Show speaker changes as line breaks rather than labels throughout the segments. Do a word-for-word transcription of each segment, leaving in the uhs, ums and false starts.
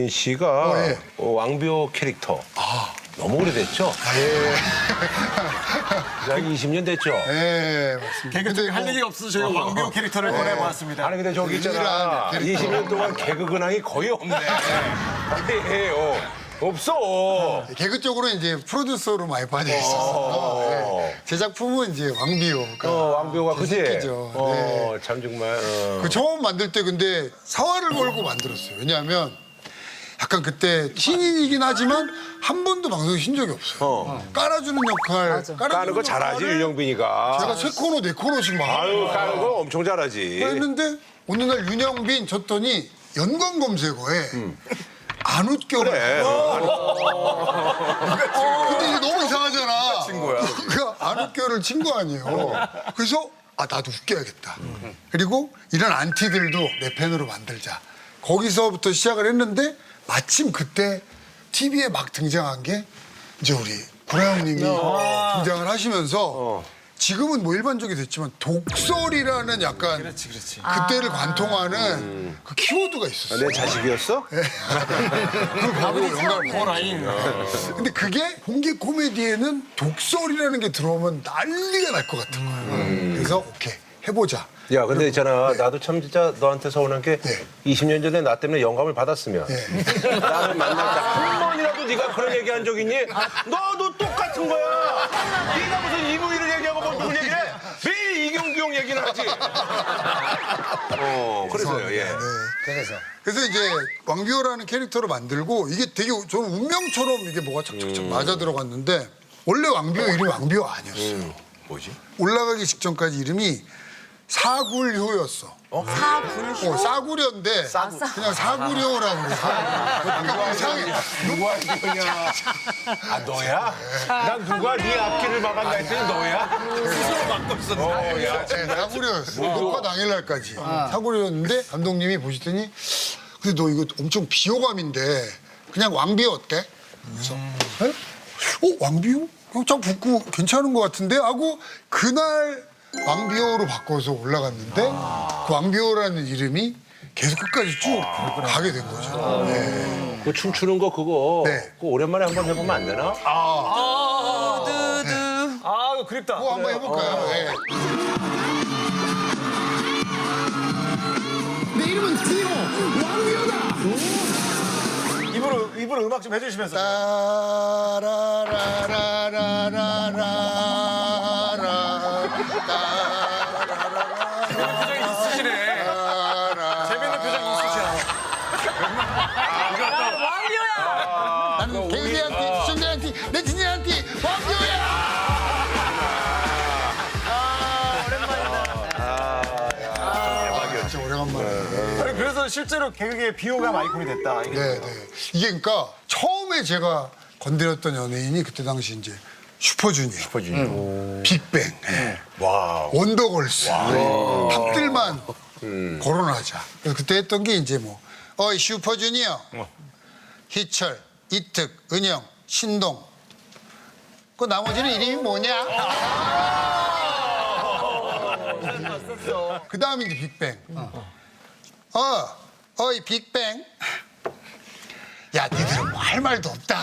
씨가
어, 예.
어, 왕비호 캐릭터
아,
너무 오래됐죠?
아, 예.
한 이십 년 됐죠?
예, 맞습니다.
개그 쪽에 할 얘기가 없어서 저희가 왕비호 캐릭터를 꺼내보았습니다.
아니 근데 저기 있잖아
유일한 캐릭터.
이십 년 동안 개그 근황이 거의 없네. 아니 어, 없어.
개그 쪽으로 이제 프로듀서로 많이 빠져 있었어요. 예. 제 작품은 이제 왕비호가.
어, 왕비호가 그지?
새끼죠.
어,
네.
참 정말. 어.
그 처음 만들 때 근데 사활을 걸고 만들었어요. 왜냐하면 약간 그때 신인이긴 하지만 한 번도 방송에 쉰 적이 없어요.
어.
깔아주는 역할, 깔아주는
까는 거 잘하지
역할을
윤영빈이가.
제가 세 코너, 네 코너씩 막
아유 까는 거 엄청 잘하지.
했는데 어느 날 윤영빈 쳤더니 연관 검색어에 안 웃겨.
그래.
근데 이게 너무 이상하잖아.
친 거야.
그 안 웃겨를 친 거 아니에요. 그래서 아 나도 웃겨야겠다. 그리고 이런 안티들도 내 팬으로 만들자. 거기서부터 시작을 했는데 마침 그때 티비에 막 등장한 게 이제 우리 구라 형님이 등장을 하시면서 지금은 뭐 일반적이 됐지만 독설이라는 약간
그렇지, 그렇지.
그때를 관통하는 그 키워드가 있었어요.
내 자식이었어?
그걸 보고 영감을
호라인.
근데 그게 공개 코미디에는 독설이라는 게 들어오면 난리가 날 것 같은 거예요. 그래서 오케이 해보자.
야 근데 있잖아 나도 참 진짜 너한테 서운한 게
네.
이십 년 전에 나 때문에 영감을 받았으면
네.
나를 만날 때 한 번이라도 네가 그런 얘기 한 적 있니? 너도 똑같은 거야. 네가 무슨 이무희를 얘기하고 뭐 누굴 얘기해? 매일 이경규 형 얘기는 하지. 어 그래서요. 예.
네.
그래서.
그래서 이제 왕비호라는 캐릭터를 만들고 이게 되게 저는 운명처럼 이게 뭐가 착착착 맞아 들어갔는데 원래 왕비호 이름이 왕비호 아니었어요.
뭐지?
올라가기 직전까지 이름이 사굴효였어.
사굴효?
어, 싸구려인데 그냥 사구려라고 그래. 약간 이상해.
누가 이거냐? 아 너야? 난 누가 네 앞길을 막았나 했더니 너야? 스스로 막고 있었네. 어, 야,
네, 사구려였어. 녹화 당일날까지 사구려였는데 감독님이 보시더니 근데 너 이거 엄청 비호감인데 그냥 왕비호 어때? 그래서 에? 어 왕비호? 어, 참 붙고 괜찮은 것 같은데 하고 그날 왕비호로 바꿔서 올라갔는데 그 왕비호라는 이름이 계속 끝까지 쭉 가게 된 거죠. 네.
그 춤추는 거 그거
네.
그거 오랜만에 한번 해보면 안 되나?
아, 이거 그립다.
그거 한번 해볼까요? 네.
내 이름은 디오 왕비호다.
입으로, 입으로 음악 좀 해주시면서. 표정이 있으시네. 재밌는 표정이 있으시네.
왕비호야!
나는 개그한테, 시청자한테, 네티즌한테 왕비호야! 진짜 오래간만에.
아니, 그래서 실제로 개그계의 비호감 아이콘이 됐다. 이게.
네, 네. 이게 그러니까 처음에 제가 건드렸던 연예인이 그때 당시 이제 슈퍼주니어,
슈퍼주니어.
빅뱅, 예.
와.
원더걸스, 탑들만 거론하자. 그래서 그때 했던 게 이제 뭐 어이 슈퍼주니어, 희철, 이특, 은영, 신동. 그 나머지는 이름이 뭐냐? 그 다음에 이제 빅뱅. 어, 어이 빅뱅. 야, 니들은 뭐 할 말도 없다.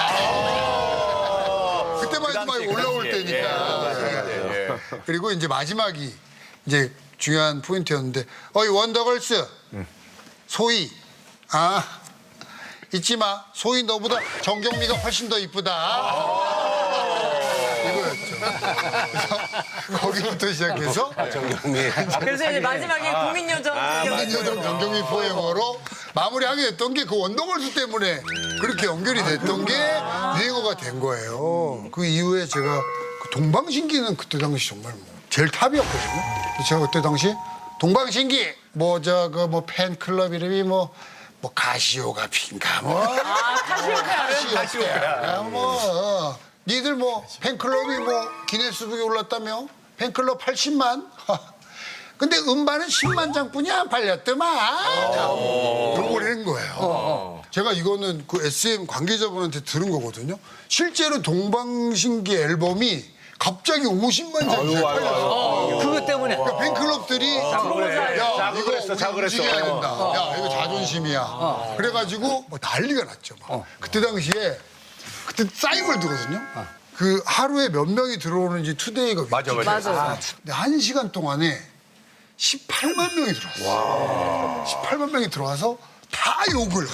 그때만 해도 막 올라올 때니까. 예. 그리고 이제 마지막이 이제 중요한 포인트였는데, 어이 원더걸스, 소희, 아 잊지 마, 소희 너보다 정경미가 훨씬 더 이쁘다. 이거였죠. 그래서 거기부터 시작해서
정경미.
그래서 이제 마지막에 국민요정.
국민요정 정경미 포에버로 마무리하게 됐던 게 그 원더걸스 때문에 그렇게 연결이 됐던 게 유행어가 된 거예요. 그 이후에 제가 그 동방신기는 그때 당시 정말 뭐 제일 탑이었거든요. 근데 제가 그때 당시 동방신기 뭐 저 그 뭐 팬클럽 이름이 뭐 뭐 가시오가 핀가 뭐
아, 카시오페아를?
가시오가 뭐 어. 니들 뭐 팬클럽이 뭐 기네스북에 올랐다며 팬클럽 팔십만 근데 음반은 십만 장뿐이 안 팔렸더만 요걸 한 거예요. 제가 이거는 그 에스엠 관계자분한테 들은 거거든요. 실제로 동방신기 앨범이 갑자기 오십만 장이 팔렸어.
그것 때문에.
그러니까 팬클럽들이 야
자극을
이거
했어,
우리
자극을 했어.
움직여야 된다. 야 이거 자존심이야. 그래가지고 뭐 난리가 났죠. 막. 그때 당시에 그때 싸이 월드거든요. 그 하루에 몇 명이 들어오는지 투데이가
맞아, 맞아.
맞아.
근데 한 시간 동안에 십팔만 명이 들어왔어. 십팔만 명이 들어와서 다 욕을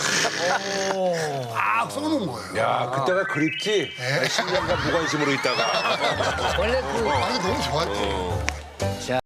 막 써놓은 거예요.
야, 그때가 그립지? 십 년간 무관심으로 있다가.
원래 그
아, 이거 너무 좋았지.